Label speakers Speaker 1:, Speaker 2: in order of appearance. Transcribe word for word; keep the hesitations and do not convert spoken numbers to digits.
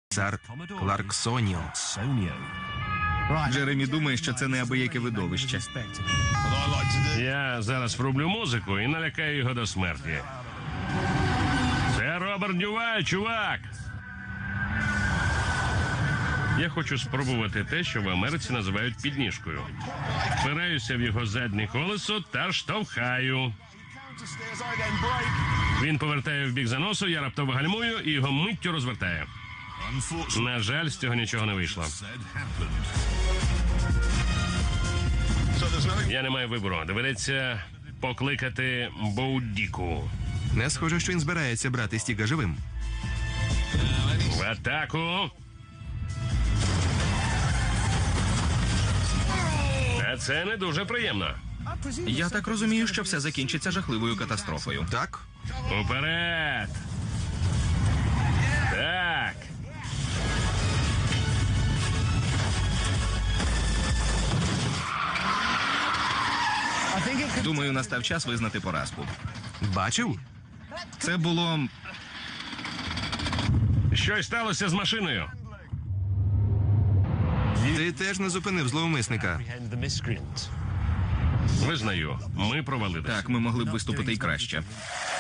Speaker 1: Цар Кларксоніо.
Speaker 2: Джеремі думає, що це неабияке видовище.
Speaker 3: Я зараз врублю музику і налякаю його до смерті. Це Роберт Дюваль, чувак! Я хочу спробувати те, що в Америці називають підніжкою. Впираюся в його заднє колесо та штовхаю. Він повертає в бік заносу, я раптово гальмую і його миттю розвертає. На жаль, з цього нічого не вийшло. Я не маю вибору. Доведеться покликати Боудіку.
Speaker 1: Не схоже, що він збирається брати Стіга живим.
Speaker 3: В атаку! Та це не дуже приємно.
Speaker 2: Я так розумію, що все закінчиться жахливою катастрофою.
Speaker 1: Так?
Speaker 3: Уперед! Так!
Speaker 2: Думаю, настав час визнати поразку.
Speaker 1: Бачив?
Speaker 2: Це було...
Speaker 3: Щось сталося з машиною.
Speaker 1: Ти теж не зупинив зловмисника.
Speaker 3: Визнаю, ми провалилися.
Speaker 2: Так, ми могли б виступити і краще.